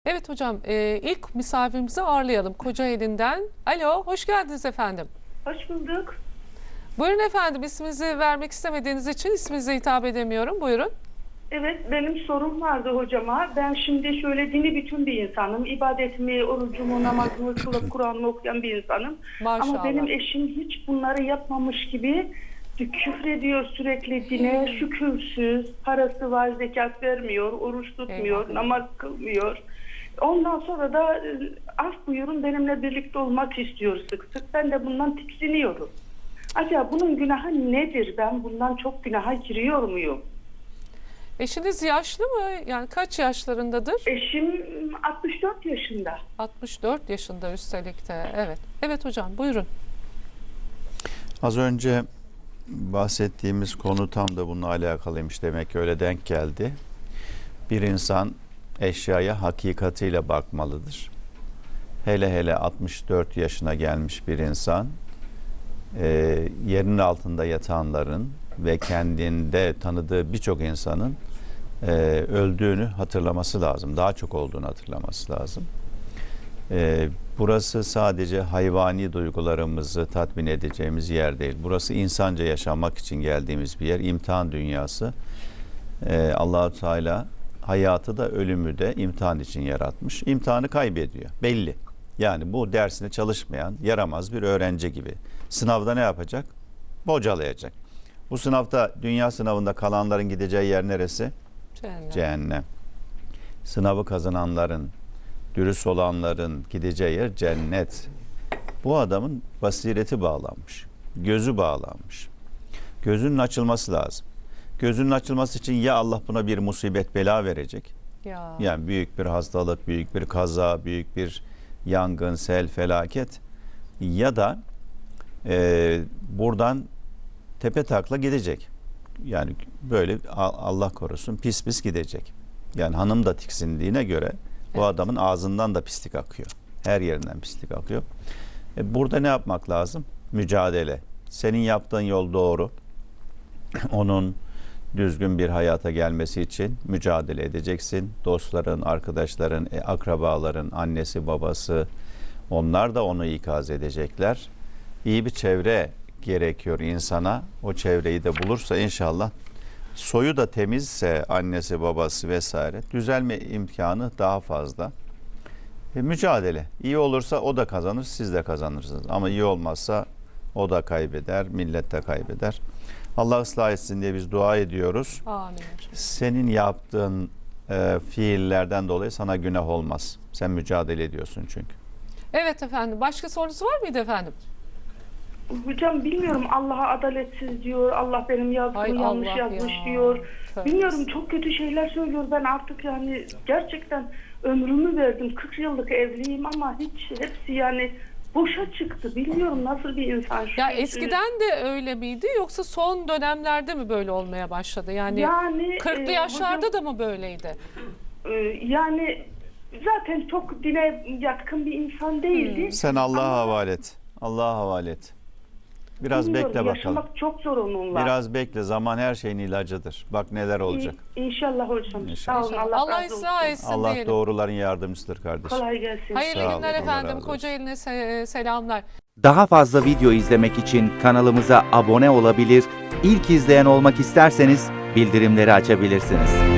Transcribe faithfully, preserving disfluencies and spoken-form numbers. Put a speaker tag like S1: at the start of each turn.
S1: Evet hocam, e, ilk misafirimizi ağırlayalım Kocaeli'nden. Alo, hoş geldiniz efendim.
S2: Hoş bulduk.
S1: Buyurun efendim, isminizi vermek istemediğiniz için isminize hitap edemiyorum. Buyurun.
S2: Evet, benim sorum vardı hocama. Ben şimdi şöyle dini bütün bir insanım. İbadetimi, orucumu, namazımı kılıp Kur'an'ımı okuyan bir insanım.
S1: Maşallah.
S2: Ama benim eşim hiç bunları yapmamış gibi küfrediyor sürekli dine, şükürsüz, parası var, zekat vermiyor, oruç tutmuyor,
S1: Eyvallah.
S2: namaz kılmıyor. Ondan sonra da af buyurun benimle birlikte olmak istiyor sık sık. Ben de bundan tiksiniyorum. Acaba bunun günahı nedir? Ben bundan çok günaha giriyor muyum?
S1: Eşiniz yaşlı mı? Yani kaç yaşlarındadır?
S2: Eşim altmış dört yaşında.
S1: altmış dört yaşında üstelik de. Evet. Evet hocam, buyurun.
S3: Az önce bahsettiğimiz konu tam da bununla alakalıymış. Demek ki öyle denk geldi. Bir insan eşyaya hakikatiyle bakmalıdır. Hele hele altmış dört yaşına gelmiş bir insan e, yerinin altında yatanların ve kendinde tanıdığı birçok insanın e, öldüğünü hatırlaması lazım. Daha çok olduğunu hatırlaması lazım. E, burası sadece hayvani duygularımızı tatmin edeceğimiz yer değil. Burası insanca yaşamak için geldiğimiz bir yer. İmtihan dünyası. E, Allah-u Teala hayatı da ölümü de imtihan için yaratmış. İmtihanı kaybediyor. Belli. Yani bu dersine çalışmayan, yaramaz bir öğrenci gibi. Sınavda ne yapacak? Bocalayacak. Bu sınavda, dünya sınavında kalanların gideceği yer neresi?
S1: Cehennem.
S3: Cehennem. Sınavı kazananların, dürüst olanların gideceği yer cennet. Bu adamın basireti bağlanmış. Gözü bağlanmış. Gözünün açılması lazım. Gözünün açılması için ya Allah buna bir musibet bela verecek.
S1: Ya.
S3: Yani büyük bir hastalık, büyük bir kaza, büyük bir yangın, sel, felaket. Ya da e, buradan tepe takla gidecek. Yani böyle Allah korusun pis pis gidecek. Yani hanım da tiksindiğine göre bu
S1: Evet.
S3: adamın ağzından da pislik akıyor. Her yerinden pislik akıyor. E, burada ne yapmak lazım? Mücadele. Senin yaptığın yol doğru. Onun düzgün bir hayata gelmesi için mücadele edeceksin. Dostların, arkadaşların, e, akrabaların, annesi, babası, onlar da onu ikaz edecekler. İyi bir çevre gerekiyor insana. O çevreyi de bulursa inşallah, soyu da temizse annesi, babası vesaire, düzelme imkanı daha fazla. E, mücadele. İyi olursa o da kazanır, siz de kazanırsınız. Ama iyi olmazsa o da kaybeder, millet de kaybeder. Allah ıslah etsin diye biz dua ediyoruz.
S1: Amin hocam.
S3: Senin yaptığın e, fiillerden dolayı sana günah olmaz. Sen mücadele ediyorsun çünkü.
S1: Evet efendim. Başka sorunuz var mıydı efendim?
S2: Hocam bilmiyorum, Allah'a adaletsiz diyor. Allah benim yazdığımı
S1: Ay
S2: yanlış
S1: Allah
S2: yazmış
S1: ya.
S2: diyor.
S1: Tövbe.
S2: Bilmiyorum, çok kötü şeyler söylüyor. Ben artık yani gerçekten ömrümü verdim. kırk yıllık evliyim ama hiç hepsi yani boşa çıktı. Bilmiyorum nasıl bir insan şu.
S1: Ya eskiden de öyle miydi yoksa son dönemlerde mi böyle olmaya başladı? Yani,
S2: yani
S1: kırklı
S2: e,
S1: yaşlarda
S2: hocam,
S1: da mı böyleydi?
S2: e, yani zaten çok dine yatkın bir insan değildi.
S3: Sen Allah'a
S2: Ama
S3: havale et. Allah'a havale et. Biraz
S2: bilmiyorum,
S3: bekle bakalım.
S2: yaşamak çok zor onunla.
S3: Biraz bekle. Zaman her şeyin ilacıdır. Bak neler olacak.
S2: İ- İnşallah hocam.
S3: İnşallah.
S2: Sağ olun. Allah,
S1: Allah
S2: razı
S1: ıslah
S2: olsun.
S1: etsin
S3: Allah
S1: diyelim.
S3: doğruların yardımcısıdır kardeşim.
S2: Kolay gelsin.
S1: Hayırlı
S3: Sağ olun,
S1: günler
S3: Allah
S1: efendim.
S3: razı olsun.
S1: Kocaeli'ne se- selamlar.
S4: Daha fazla video izlemek için kanalımıza abone olabilir, ilk izleyen olmak isterseniz bildirimleri açabilirsiniz.